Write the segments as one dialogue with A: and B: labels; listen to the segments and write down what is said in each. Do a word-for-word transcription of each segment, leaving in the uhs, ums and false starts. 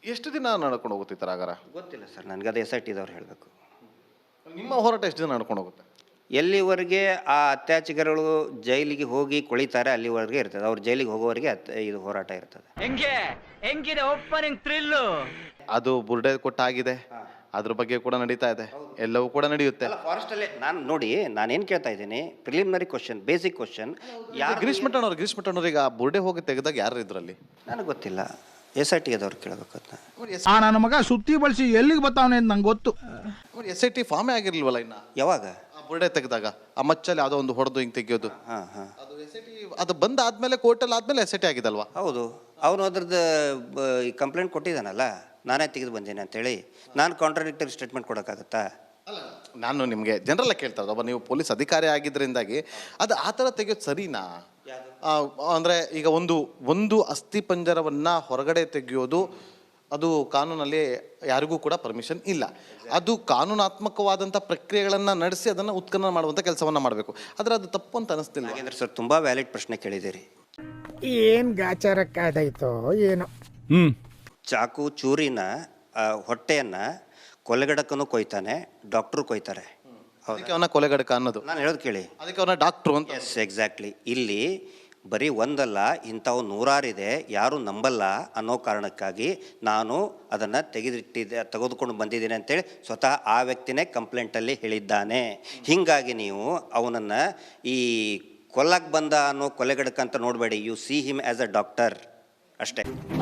A: ಎಷ್ಟು ದಿನ ನಡ್ಕೊಂಡು ಹೋಗುತ್ತೆ ಈ ಥರ ಆಗಾರ?
B: ಗೊತ್ತಿಲ್ಲ ಸರ್ ನನಗೆ, ಅದು ಎಸ್ ಐ ಟಿದವ್ರು ಹೇಳಬೇಕು.
A: ನಿಮ್ಮ ಹೋರಾಟ ಎಷ್ಟು ದಿನ ನಡ್ಕೊಂಡು ಹೋಗುತ್ತೆ?
B: ಎಲ್ಲಿವರೆಗೆ ಆ ಅತ್ಯಾಚಾರಿಗಳು ಜೈಲಿಗೆ ಹೋಗಿ ಕೊಳಿತಾರೆ ಅಲ್ಲಿವರೆಗೆ ಇರ್ತದೆ. ಅವ್ರು ಜೈಲಿಗೆ ಹೋಗೋವರೆಗೆ ಇದು ಹೋರಾಟ ಇರ್ತದೆ.
C: ಹೆಂಗೆ ಹೆಂಗಿದೆ ಓಪನಿಂಗ್ ಥ್ರಿಲ್ಲು?
A: ಅದು ಬುರ್ಡೆ ಕೊಟ್ಟಾಗಿದೆ, ಅದ್ರ ಬಗ್ಗೆ ಕೂಡ ನಡೀತಾ ಇದೆ, ಎಲ್ಲವೂ ಕೂಡ ನಡೆಯುತ್ತೆ.
B: ಫಾರೆಸ್ಟ್ ಅಲ್ಲೇ ನಾನು ನೋಡಿ ನಾನೇನು ಕೇಳ್ತಾ ಇದ್ದೀನಿ, ಪ್ರಿಲಿಮಿನರಿ ಕ್ವಶನ್, ಬೇಸಿಕ್ ಕ್ವಶನ್.
A: ಯಾರು ಗಿರೀಶ್ ಮಟ್ಟಣ್ಣವ್ರು ಗಿರೀಶ್ ಮಟ್ಟಣ್ಣವ್ರಿಗೆ ಆ ಬುರ್ಡೆ ಹೋಗಿ ತೆಗೆದಾಗ ಯಾರು ಇದ್ರಲ್ಲಿ?
B: ನನಗೆ ಗೊತ್ತಿಲ್ಲ, ಎಸ್ ಐ ಟಿ ಅದವ್ರು ಕೇಳಬೇಕು.
D: ಆ ನನ್ನ ಮಗ ಸುತ್ತಿ ಬಳಸಿ ಎಲ್ಲಿಗೆ ಬರ್ತಾವನೆ ಅಂತ ನಂಗೆ ಗೊತ್ತು.
A: ಎಸ್ ಐ ಟಿ ಫಾರ್ಮೇ ಆಗಿರ್ಲಿಲ್ವಲ್ಲ ಇನ್ನ?
B: ಯಾವಾಗ
A: ಆ ಬುರ್ಡೆ ತೆಗೆದಾಗ ಆ ಮಚ್ಚಲ್ಲಿ ಯಾವುದೋ ಒಂದು ಹೊಡೆದು ಹಿಂಗೆ ತೆಗಿಯೋದು,
B: ಹಾಂ ಹಾಂ
A: ಅದು ಎಸ್ ಐ ಟಿ ಅದು ಬಂದ ಆದ್ಮೇಲೆ ಕೋರ್ಟಲ್ಲಿ ಆದ್ಮೇಲೆ ಎಸ್ ಐ ಟಿ ಆಗಿದಲ್ವಾ?
B: ಹೌದು, ಅವನು ಅದ್ರದ್ದು ಕಂಪ್ಲೇಂಟ್ ಕೊಟ್ಟಿದ್ದಾನಲ್ಲ, ನಾನೇ ತೆಗೆದು ಬಂದೇನೆ ಅಂತೇಳಿ. ನಾನು ಕಾಂಟ್ರಾಡಿಕ್ಟರಿ ಸ್ಟೇಟ್ಮೆಂಟ್ ಕೊಡೋಕ್ಕಾಗತ್ತಾ?
A: ನಾನು ನಿಮಗೆ ಜನರಲ್ಲ ಕೇಳ್ತಾ ಇರೋದು, ಒಬ್ಬ ನೀವು ಪೊಲೀಸ್ ಅಧಿಕಾರಿ ಆಗಿದ್ದರಿಂದಾಗಿ ಅದು ಆ ಥರ ತೆಗೆಯೋದು ಸರಿನಾ? ಅಂದರೆ ಈಗ ಒಂದು ಒಂದು ಅಸ್ಥಿ ಪಂಜರವನ್ನು ಹೊರಗಡೆ ತೆಗೆಯೋದು ಅದು ಕಾನೂನಲ್ಲಿ ಯಾರಿಗೂ ಕೂಡ ಪರ್ಮಿಷನ್ ಇಲ್ಲ. ಅದು ಕಾನೂನಾತ್ಮಕವಾದಂಥ ಪ್ರಕ್ರಿಯೆಗಳನ್ನು ನಡೆಸಿ ಅದನ್ನು ಉತ್ಖನನ ಮಾಡುವಂಥ ಕೆಲಸವನ್ನು ಮಾಡಬೇಕು. ಆದರೆ ಅದು ತಪ್ಪು ಅಂತ ಅನಿಸ್ತಿಲ್ಲ.
B: ನಾಗೇಂದ್ರ ಸರ್ ತುಂಬ ವ್ಯಾಲಿಡ್ ಪ್ರಶ್ನೆ ಕೇಳಿದ್ದೀರಿ.
E: ಏನು ಗಾಚಾರಕ್ಕಾದಾಯ್ತೋ ಏನೋ.
D: ಹ್ಞೂ
B: ಚಾಕು ಚೂರಿನ ಹೊಟ್ಟೆಯನ್ನು ಕೊಲೆಗಡಕನು ಕೊಯ್ತಾನೆ, ಡಾಕ್ಟ್ರು ಕೊಯ್ತಾರೆ.
A: ಅದಕ್ಕೆ ಅವನ ಕೊಲೆಗಡಕ ಅನ್ನೋದು.
B: ನಾನು ಹೇಳೋದು ಕೇಳಿ,
A: ಅದಕ್ಕೆ ಅವನ ಡಾಕ್ಟ್ರು ಅಂತ.
B: Yes exactly. ಇಲ್ಲಿ ಬರೀ ಒಂದಲ್ಲ, ಇಂಥವು ನೂರಾರಿದೆ, ಯಾರು ನಂಬಲ್ಲ ಅನ್ನೋ ಕಾರಣಕ್ಕಾಗಿ ನಾನು ಅದನ್ನು ತೆಗೆದಿಟ್ಟಿದ್ದೆ ತೆಗೆದುಕೊಂಡು ಬಂದಿದ್ದೀನಿ ಅಂತೇಳಿ ಸ್ವತಃ ಆ ವ್ಯಕ್ತಿನೇ ಕಂಪ್ಲೇಂಟಲ್ಲಿ ಹೇಳಿದ್ದಾನೆ. ಹೀಗಾಗಿ ನೀವು ಅವನನ್ನು ಈ ಕೊಲ್ಲಕ್ಕೆ ಬಂದ ಅನ್ನೋ ಕೊಲೆಗಡಕ ಅಂತ ನೋಡಬೇಡಿ. You see him as a doctor ಅಷ್ಟೇ.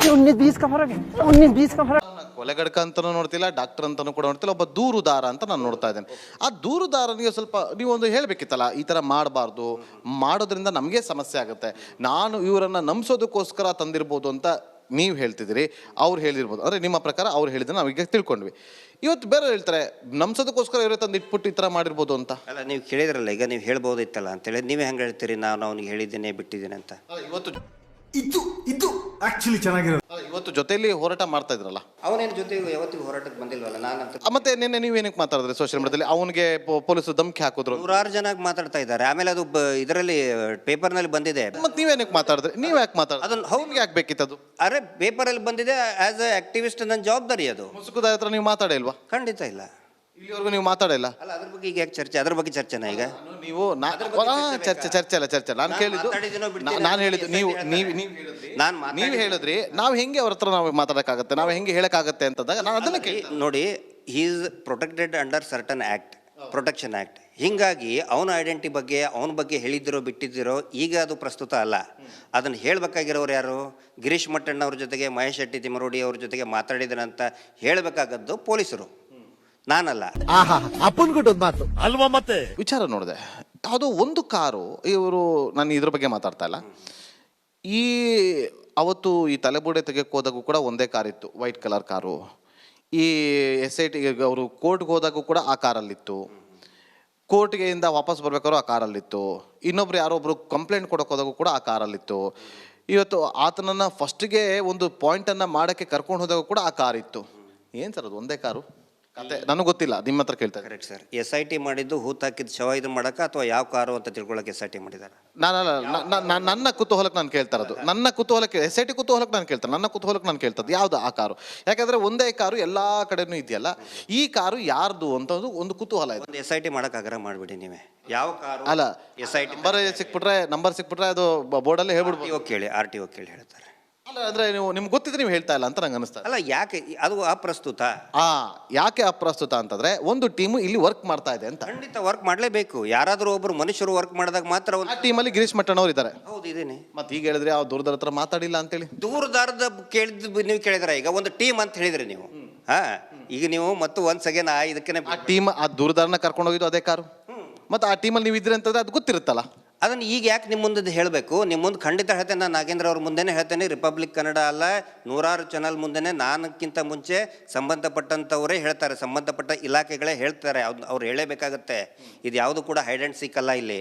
A: ಕೊಲೆಗಡಕ ಅಂತಲೂ ನೋಡ್ತಿಲ್ಲ, ಡಾಕ್ಟರ್ ಅಂತಲೂ ಕೂಡ ನೋಡ್ತಿಲ್ಲ, ಒಬ್ಬ ದೂರುದಾರ ಅಂತ ನಾನು ನೋಡ್ತಾ ಇದ್ದೇನೆ. ಆ ದೂರುದಾರನಿಗೆ ಸ್ವಲ್ಪ ನೀವು ಒಂದು ಹೇಳಬೇಕಿತ್ತಲ್ಲ, ಈ ಥರ ಮಾಡಬಾರ್ದು, ಮಾಡೋದ್ರಿಂದ ನಮಗೆ ಸಮಸ್ಯೆ ಆಗುತ್ತೆ, ನಾನು ಇವರನ್ನು ನಂಬಿಸೋದಕ್ಕೋಸ್ಕರ ತಂದಿರ್ಬೋದು ಅಂತ ನೀವು ಹೇಳ್ತಿದ್ದೀರಿ, ಅವ್ರು ಹೇಳಿರ್ಬೋದು. ಅಂದರೆ ನಿಮ್ಮ ಪ್ರಕಾರ ಅವ್ರು ಹೇಳಿದ್ರೆ ನಾವೀಗ ತಿಳ್ಕೊಂಡ್ವಿ. ಇವತ್ತು ಬೇರೆ ಹೇಳ್ತಾರೆ ನಂಬಿಸೋದಕ್ಕೋಸ್ಕರ ಇವರೇ ತಂದು ಇಟ್ಬಿಟ್ಟು ಈ ಥರ ಮಾಡಿರ್ಬೋದು ಅಂತ.
B: ಅಲ್ಲ, ನೀವು ಕೇಳಿದ್ರಲ್ಲ ಈಗ, ನೀವು ಹೇಳ್ಬೋದಿತ್ತಲ್ಲ ಅಂತೇಳಿ. ನೀವೇ ಹೆಂಗೆ ಹೇಳ್ತೀರಿ ನಾನು ಅವನಿಗೆ ಹೇಳಿದ್ದೇನೆ ಬಿಟ್ಟಿದ್ದೇನೆ ಅಂತ?
A: ಇವತ್ತು
F: ಇದು ಇದು ಆಕ್ಚುಲಿ ಚೆನ್ನಾಗಿರೋದು.
A: ಇವತ್ತು ಜೊತೆಯಲ್ಲಿ ಹೋರಾಟ ಮಾಡ್ತಾ ಇದ್ರಲ್ಲ,
B: ಅವನೇನು ಜೊತೆ ಯಾವತ್ತಿಗೂ ಹೋರಾಟಕ್ಕೆ ಬಂದಿಲ್ವಲ್ಲ. ನಾನಂತ
A: ಮತ್ತೆ ನಿನ್ನೆ ನೀವೇನಕ್ಕೆ ಮಾತಾಡಿದ್ರಿ ಸೋಷಿಯಲ್ ಮೀಡಿಯಾದಲ್ಲಿ? ಅವನಿಗೆ ಪೊಲೀಸರು ಧಮಕಿ ಹಾಕಿದ್ರು,
B: ನೂರಾರು ಜನ ಮಾತಾಡ್ತಾ ಇದ್ದಾರೆ. ಆಮೇಲೆ ಅದು ಇದರಲ್ಲಿ ಪೇಪರ್ನಲ್ಲಿ ಬಂದಿದೆ.
A: ಮತ್ತೆ ನೀವೇನಕ್ಕೆ ಮಾತಾಡಿದ್ರಿ? ನೀವು ಯಾಕೆ ಮಾತಾಡಿದ್ರಿ?
B: ಅದನ್ನು
A: ಅವ್ನಿಗೆ ಯಾಕೆ ಬೇಕಿತ್ತದು?
B: ಅರೆ ಪೇಪರಲ್ಲಿ ಬಂದಿದೆ, ಆಸ್ ಅ ಆಕ್ಟಿವಿಸ್ಟ್ ನನ್ನ ಜವಾಬ್ದಾರಿ ಅದು.
A: ಮುಸುಕುದ ಹತ್ರ ನೀವು ಮಾತಾಡಿಲ್ವಾ?
B: ಖಂಡಿತ ಇಲ್ಲ,
A: ಇಲ್ಲಿವರೆಗೂ ನೀವು ಮಾತಾಡಿಲ್ಲ.
B: ಅಲ್ಲ, ಅದ್ರ ಬಗ್ಗೆ ಈಗ ಯಾಕೆ ಚರ್ಚೆ? ಅದ್ರ ಬಗ್ಗೆ ಚರ್ಚೆನಾ ಈಗ?
A: ನೀವು ಚರ್ಚೆ ಚರ್ಚೆ ಅಲ್ಲ ಚರ್ಚೆ ನಾನು ಕೇಳಿದ್ದು, ನಾನು ಹೇಳಿದ್ದು ನೀವು ನೀವು ನೀವು ನೀವು ಹೇಳಿದ್ರಿ ನಾವು ಹೆಂಗೆ ಅವ್ರ ಹತ್ರ ನಾವು ಮಾತಾಡೋಕ್ಕಾಗತ್ತೆ, ನಾವು ಹೆಂಗೆ ಹೇಳಕ್ಕಾಗತ್ತೆ ಅಂತಂದಾಗ ನಾನು ಅದನ್ನ ಕೇಳಿ.
B: ನೋಡಿ, he is protected under certain act, protection act. ಹೀಗಾಗಿ ಅವನ ಐಡೆಂಟಿ ಬಗ್ಗೆ ಅವನ ಬಗ್ಗೆ ಹೇಳಿದ್ದಿರೋ ಬಿಟ್ಟಿದ್ದಿರೋ ಈಗ ಅದು ಪ್ರಸ್ತುತ ಅಲ್ಲ. ಅದನ್ನು ಹೇಳಬೇಕಾಗಿರೋರು ಯಾರು? ಗಿರೀಶ್ ಮಟ್ಟಣ್ಣವ್ರ ಜೊತೆಗೆ ಮಹೇಶ್ ಶೆಟ್ಟಿ ತಿಮರೋಡಿ ಅವ್ರ ಜೊತೆಗೆ ಮಾತಾಡಿದನಂತ ಹೇಳಬೇಕಾಗದ್ದು ಪೊಲೀಸರು, ನಾನಲ್ಲ.
F: ಅಲ್ವಾ? ಮತ್ತೆ
A: ವಿಚಾರ ನೋಡಿದೆ, ಯಾವುದೋ ಒಂದು ಕಾರು, ಇವರು ನಾನು ಇದ್ರ ಬಗ್ಗೆ ಮಾತಾಡ್ತಾ ಇಲ್ಲ, ಈ ಅವತ್ತು ಈ ತಲೆಬುಡೆ ತೆಗೆಕ್ಕೆ ಹೋದಾಗೂ ಕೂಡ ಒಂದೇ ಕಾರ್ ಇತ್ತು, ವೈಟ್ ಕಲರ್ ಕಾರು. ಈ ಎಸ್ ಐ ಟಿ ಅವರು ಕೋರ್ಟ್ಗೆ ಹೋದಾಗೂ ಕೂಡ ಆ ಕಾರಲ್ಲಿತ್ತು, ಕೋರ್ಟ್ಗೆ ಇಂದ ವಾಪಸ್ ಬರ್ಬೇಕಾದ್ರು ಆ ಕಾರಲ್ಲಿತ್ತು, ಇನ್ನೊಬ್ರು ಯಾರೊಬ್ರು ಕಂಪ್ಲೇಂಟ್ ಕೊಡೋಕೆ ಹೋದಾಗೂ ಕೂಡ ಆ ಕಾರಲ್ಲಿತ್ತು. ಇವತ್ತು ಆತನನ್ನು ಫಸ್ಟಿಗೆ ಒಂದು ಪಾಯಿಂಟನ್ನು ಮಾಡೋಕ್ಕೆ ಕರ್ಕೊಂಡು ಹೋದಾಗ ಕೂಡ ಆ ಕಾರ್ ಇತ್ತು. ಏನು ಸರ್ ಅದು ಒಂದೇ ಕಾರು? ಕತೆ ನನಗೆ ಗೊತ್ತಿಲ್ಲ, ನಿಮ್ಮ ಹತ್ರ ಕೇಳ್ತಾ.
B: Correct sir. S I T ಮಾಡಿದ್ದು ಹೂತ್ ಹಾಕಿದ್ದು ಶವ ಇದು ಮಾಡೋಕೆ ಅಥವಾ ಯಾವ ಕಾರು ಅಂತ ತಿಳ್ಕೊಳ್ಳೋಕೆ ಎಸ್ ಐ ಟಿ ಮಾಡಿದ್ದಾರೆ?
A: ನಾನಲ್ಲ, ನನ್ನ ಕುತೂಹಲಕ್ಕೆ ನಾನು ಕೇಳ್ತಾ ಇರೋದು, ನನ್ನ ಕುತೂಹಲಕ್ಕೆ. ಎಸ್ ಐ ಟಿ ಕುತೂಹಲಕ್ಕೆ ನಾನು ಕೇಳ್ತಾರೆ, ನನ್ನ ಕುತೂಹಲಕ್ಕೆ ನಾನು ಕೇಳ್ತದ್ದು ಯಾವುದು ಆ ಕಾರು? ಯಾಕಂದರೆ ಒಂದೇ ಕಾರು ಎಲ್ಲ ಕಡೆನೂ ಇದೆಯಲ್ಲ, ಈ ಕಾರು ಯಾರ್ದು ಅಂತ ಒಂದು ಕುತೂಹಲ ಇದೆ.
B: ಒಂದು ಎಸ್ ಐ ಟಿ ಮಾಡೋಕೆ ಆಗ್ರಹ ಮಾಡಿಬಿಡಿ ನೀವೇ. ಯಾವ ಕಾರು?
A: ಅಲ್ಲ,
B: ಎಸ್ ಐ ಟಿ
A: ನಂಬರ್ ಸಿಕ್ಬಿಟ್ರೆ ನಂಬರ್ ಸಿಕ್ಬಿಟ್ರೆ ಅದು ಬೋರ್ಡಲ್ಲಿ ಹೇಳ್ಬಿಡ್ಬೋದು.
B: ಕೇಳಿ, ಆರ್ ಟಿ ಒ ಕೇಳಿ ಹೇಳ್ತಾರೆ.
A: ಅಲ್ಲ, ಅಂದರೆ ನೀವು ನಿಮ್ಗೆ ಗೊತ್ತಿದ್ರೆ ನೀವು ಹೇಳ್ತಾ ಇಲ್ಲ ಅಂತ ನಂಗೆ ಅನಿಸ್ತಾ.
B: ಅಲ್ಲ, ಯಾಕೆ ಅದು ಅಪ್ರಸ್ತುತ?
A: ಆ ಯಾಕೆ ಅಪ್ರಸ್ತುತ ಅಂತಂದ್ರೆ ಒಂದು ಟೀಮು ಇಲ್ಲಿ ವರ್ಕ್ ಮಾಡ್ತಾ ಇದೆ ಅಂತ.
B: ಖಂಡಿತ ವರ್ಕ್ ಮಾಡಲೇಬೇಕು. ಯಾರಾದರೂ ಒಬ್ಬರು ಮನುಷ್ಯರು ವರ್ಕ್ ಮಾಡಿದಾಗ ಮಾತ್ರ.
A: ಆ ಟೀಮಲ್ಲಿ ಗಿರೀಶ್ ಮಟ್ಟಣ್ಣವ್ರು ಇದ್ದಾರೆ.
B: ಹೌದು, ಇದೇನೆ.
A: ಮತ್ತೆ ಈಗ ಹೇಳಿದ್ರೆ ಯಾವ ದೂರದರ ಹತ್ರ ಮಾತಾಡಿಲ್ಲ ಅಂತೇಳಿ.
B: ದೂರದಾರದ ಕೇಳಿದ್ ನೀವು ಕೇಳಿದ್ರೆ ಈಗ ಒಂದು ಟೀಮ್ ಅಂತ ಹೇಳಿದ್ರಿ ನೀವು. ಹಾ, ಈಗ ನೀವು ಮತ್ತು ಒಂದ್ ಸೆಕೆಂಡ್ ಇದಕ್ಕೆ
A: ಆ ಟೀಮ್ ಆ ದೂರದಾರನ ಕರ್ಕೊಂಡು ಹೋಗಿದ್ದು ಅದೇ ಕಾರು. ಮತ್ತೆ ಆ ಟೀಮಲ್ಲಿ ನೀವು ಇದ್ರಿ ಅಂತಂದ್ರೆ ಅದು ಗೊತ್ತಿರುತ್ತಲ್ಲ.
B: ಅದನ್ನು ಈಗ ಯಾಕೆ ನಿಮ್ಮ ಮುಂದೆ ಹೇಳಬೇಕು? ನಿಮ್ಮ ಮುಂದೆ ಖಂಡಿತ ಹೇಳ್ತೇನೆ, ನಾನು ನಾಗೇಂದ್ರ ಅವ್ರ ಮುಂದೆನೇ ಹೇಳ್ತೇನೆ. ರಿಪಬ್ಲಿಕ್ ಕನ್ನಡ ಅಲ್ಲ, ನೂರಾರು ಚಾನಲ್ ಮುಂದೆನೇ ನಾನಕ್ಕಿಂತ ಮುಂಚೆ ಸಂಬಂಧಪಟ್ಟಂಥವರೇ ಹೇಳ್ತಾರೆ, ಸಂಬಂಧಪಟ್ಟ ಇಲಾಖೆಗಳೇ ಹೇಳ್ತಾರೆ. ಅವ್ರು ಹೇಳಬೇಕಾಗತ್ತೆ. ಇದು ಯಾವುದು ಕೂಡ ಹೈಡ್ ಆ್ಯಂಡ್ ಸೀಕ್ ಅಲ್ಲ ಇಲ್ಲಿ.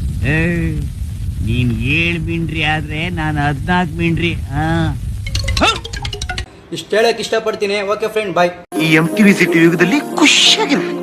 C: ನೀನ್ ಏಳ್ ಮಿಂಡ್ರಿ ಆದ್ರೆ ನಾನು ಹದ್ನಾಲ್ಕು ಮಿಂಡ್ರಿ.
G: ಇಷ್ಟು ಹೇಳಕ್ ಇಷ್ಟಪಡ್ತೀನಿ. Okay friend, bye.
F: ಈ ಎಂ ಟಿ ವಿ ಸಿಟಿ ಯುಗದಲ್ಲಿ ಖುಷಿಯಾಗಿರು.